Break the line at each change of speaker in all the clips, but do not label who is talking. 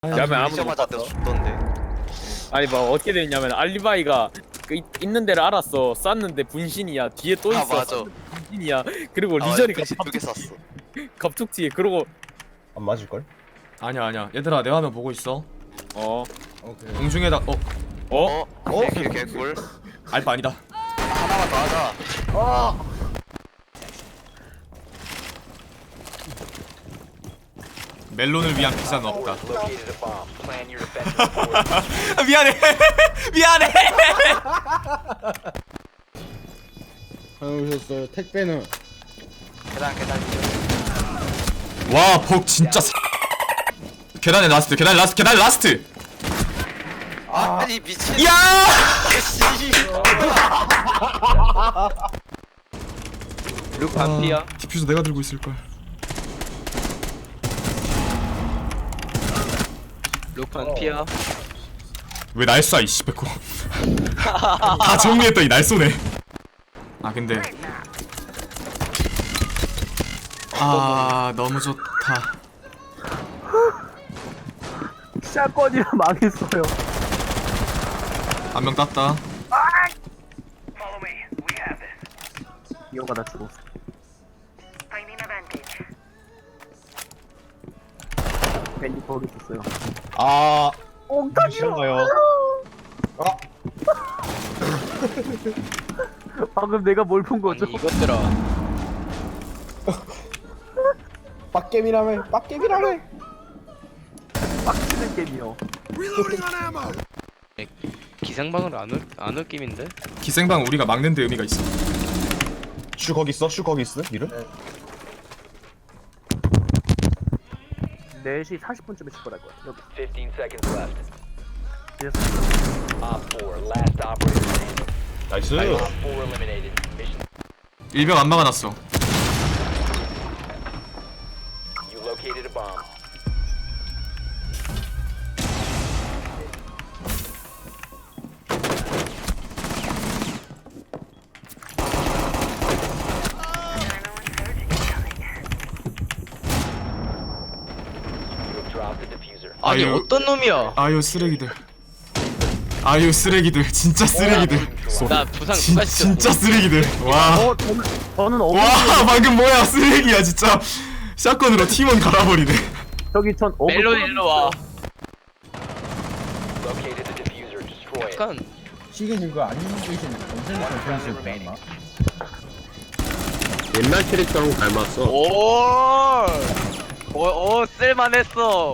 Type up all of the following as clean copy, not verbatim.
야면 아무도 못
맞아
봤어.
죽던데.
아니 뭐 어떻게 됐냐면 알리바이가 있는 데를 알았어. 쐈는데 분신이야. 뒤에 또 있어.
맞아.
쐈는데 분신이야. 그리고 리전이가
분신 두개 쐈어.
갑툭튀에 그러고
안 맞을걸?
아니야 얘들아 내 화면 보고 있어.
어
오케이.
공중에다
어?
개꿀.
알바 아니다.
하나만 더 하자.
멜론을 위한 비싼 없다.
Located a bomb. Plan your defense accordingly.
미안해 미안해.
오셨어요. 택배는
계단.
와복 진짜 계단에 라스트 계단 라스트.
아니 미친.
야
룩 반피야.
디퓨저 내가 들고 있을 걸.
룩 반피야.
왜 날 쏴 이씨 백호. 다 정리했더니 날 쏘네. 아 근데 너무 좋다.
샷건이라 망했어요.
한 명 땄다.
이거가 나 죽었어. 밴디 거기 있었어요.
아
엉덩이요.
싫어요.
방금 내가 뭘 본 거죠?
이것들아.
빡겜이라며.
빡치는 게임이요.
기생방을 안 올 게임인데?
기생방 우리가 막는 데 의미가 있어.
슈 거기 있어? 슈 거기 있어? 이름?
4시 40분쯤에 출발할 거야. 여기.
15 seconds left.
그래서
Op 4, last operator standing.
나이스.
Op 4 eliminated. Mission.
일병 안 막아놨어.
You located a bomb. You have dropped the diffuser.
아니
아유.
어떤 놈이야?
아유 쓰레기들 진짜 쓰레기들.
나 부상
진,
누가 시켰어?
진짜 쓰레기들. 와.
저는 어머니
와 방금 뭐야 쓰레기야 진짜. 샷건으로 팀원 갈아버리네.
저기 전
멜론 일로 와.
Located the diffuser. Destroy it.
약간
시계 이거 안 계신 전생부터 전신 맞나?
옛날 캐릭터랑 닮았어.
오 쓸만했어.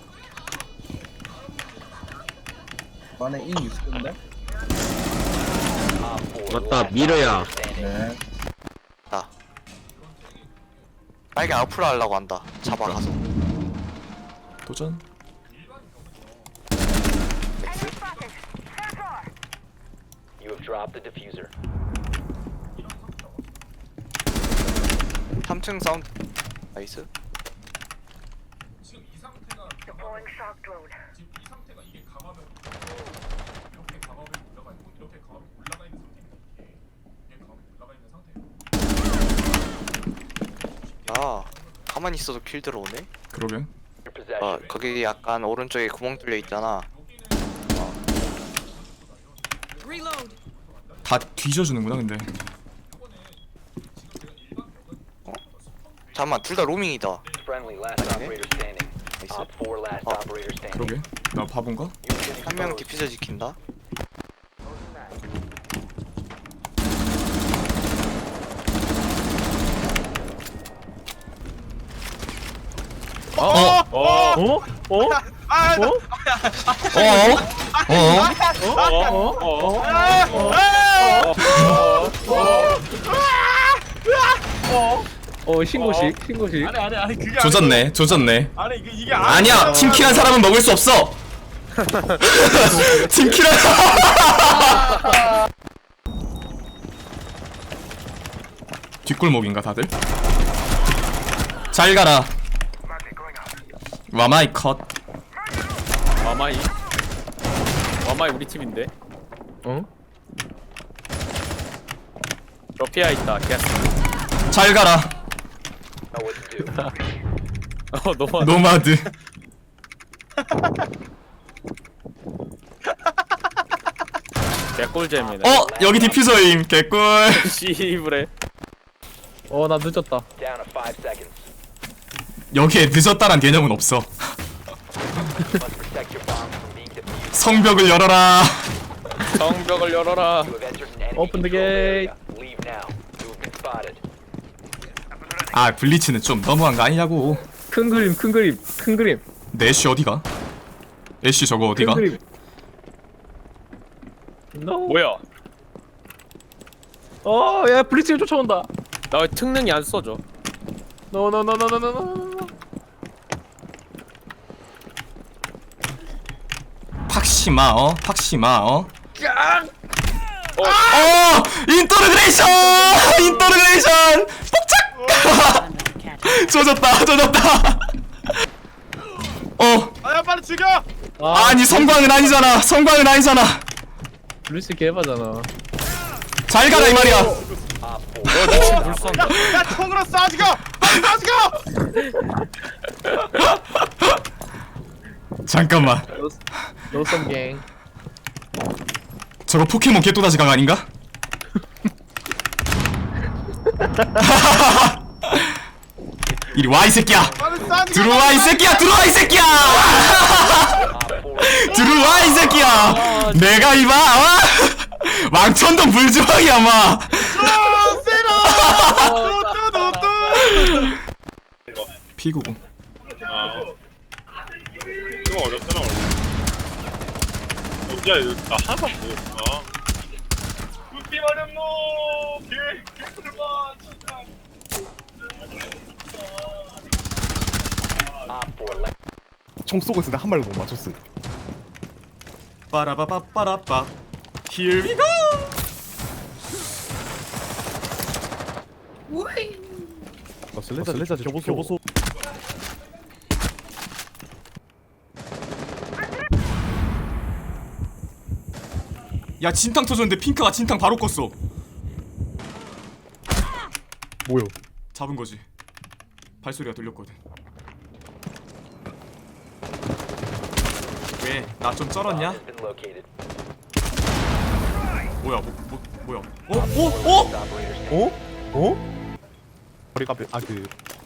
만에 이 있었는데?
Op 4,
맞다,
last
미러야.
operator standing.
네.
빨개 앞으로 하려고 한다. 잡아가서.
도전.
You have dropped the diffuser.
3층 사운드. 나이스. 아 가만히 있어도 킬 들어오네.
그러게.
Your possession.
거기 약간 오른쪽에 구멍 뚫려 있잖아.
다 뒤져주는구나 근데.
잠깐만 둘 다 로밍이다.
Friendly, last operator standing.
나이스.
Op 4, last operator standing.
그러게. 나 바본가?
You're getting
한 명
exposed.
디퓨저 지킨다.
신고식.
아니 그게 조졌네. 아니 이게 아니야. 팀킬한 사람은 먹을 수 없어. 팀킬한. 뒷골목인가 다들? 잘 가라. 와마이 컷.
와마이 우리 팀인데. 응? 러피아 있다. 게스.
잘 가라.
Know what to do.
너무
노마드.
개꿀잼이네.
여기 디퓨저임 개꿀.
씨부레.
나 늦었다.
Down to 5 seconds.
여기에 늦었다란 개념은 없어.
Must protect your bombs from being defused.
성벽을 열어라.
성벽을 열어라.
You have entered an enemy
Open the
controlled
gate.
area. Leave now. You have been spotted.
아 블리츠는 좀 너무한 거 아니냐고.
큰 그림, 큰 그림, 큰 그림,
내 애쉬 어디가? 애쉬 저거
큰
어디가?
그림. No.
뭐야?
야 블리츠가 쫓아온다.
나 왜 특능이 안 써져?
No.
팍시마 팍시마 인터그레이션 폭착. 조졌다.
아야 빨리 죽여!
아니 성광은 아니잖아.
블리츠 개바잖아.
잘 가라 이 말이야.
미친 불쏜다.
야 총으로 쏴 죽여! 쏴 죽여!
잠깐만.
노썸 갱.
저거 포켓몬 개또다시 강 아닌가? 이리 와 이 새끼야.
빨리 쏴 죽여!
들어와 이 새끼야. 들어와 이 새끼야. 내가 이봐 왕천동 불주왕이야 마. 피구공.
좀 어렵잖아 원래. 야 이거 나 하나도 안 보였어. 그렇게 어렵노. 개꿀맛 진짜.
Op 4 left.
총 쏘고 있을 때 한 발도 못 맞췄어.
빠라바빠빠라빠. Here we go.
슬래자 교보소.
야 진탕 터졌는데 핑크가 진탕 바로 껐어.
뭐요?
잡은 거지. 발소리가 들렸거든. 왜? 나 좀 쩔었냐?
Has been located.
뭐야? 뭐야?
Last operator standing.
머리가 그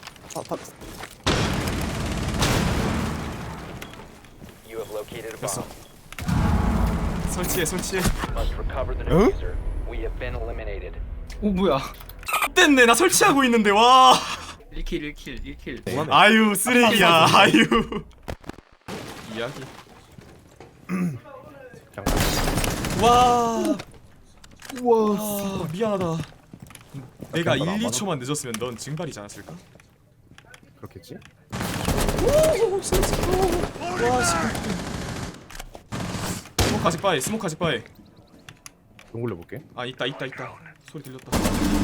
You have located a
됐어.
bomb.
설치해.
Must recover the diffuser. We have been eliminated.
뭐야?
됐네. 나 설치하고 있는데 와.
1킬.
아유 쓰레기야. 아유.
이야기.
와. 미안하다. 내가 1, 2초만 늦었으면 넌 증발이지 않았을까?
그렇겠지?
스모크 아직 바에.
동굴려 볼게.
아 있다. 소리 들렸다.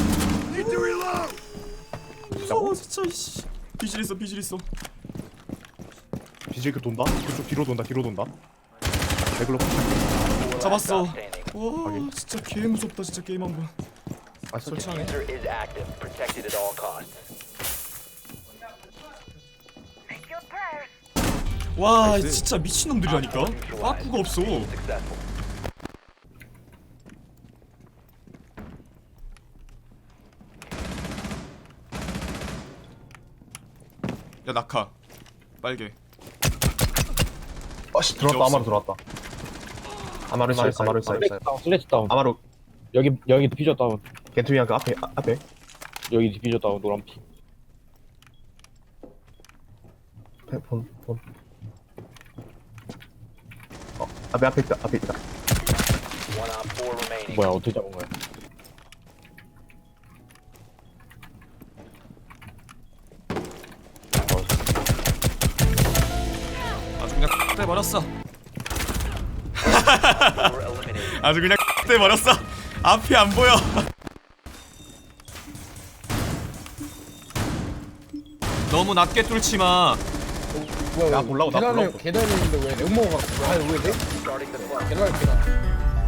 무서워 진짜 이씨. 비질 있어.
비질 그 돈다. 그쪽 뒤로 돈다. 레글로.
잡았어.
Standing.
와 진짜 개 무섭다 진짜 게임 한 번.
아
설치하네.
Diffuser is active. Protected at all costs.
와 진짜 미친 놈들이라니까. 빠꾸가 없어.
Successful.
야 낙하. 빨개.
아씨 들어왔다. 아마루 들어왔다. 아마루 있어.
슬래치 다운.
아마루
여기 디퓨저 다운.
겐트위한 그 앞에.
여기 디퓨저 다운 노란 피.
폰. 앞에 있다.
One op 4 remaining.
뭐야 어떻게 잡은 거야?
아주 그냥 떼버렸어.
Four eliminated.
아주 그냥 떼버렸어. 앞이 안 보여. 너무 낮게 뚫지 마.
야 몰라고 나 몰라고.
계단에 있는데 왜 레몬가? 왜 내?
Starting the clock.
계단.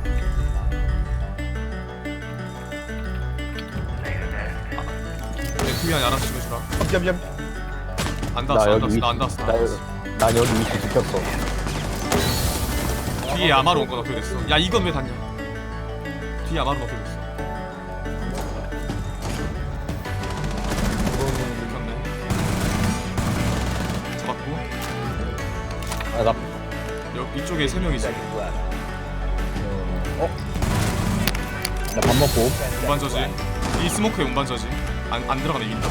투명이 알아서 좀 해주라.
미안.
안 닿았어. 난 여기 위치 지켰어. 뒤에 아마로 온거 너클됐어. 야 이건 왜 닿냐? 뒤에 아마로 너클됐어. 됐네. 잡았고.
아나
이쪽에 3명 있어.
나 밥 먹고
운반저지. 이 스모크에 운반저지. 안 들어가네 이긴다.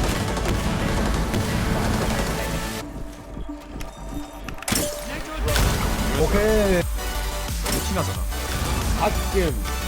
오케이
티나잖아.
아끔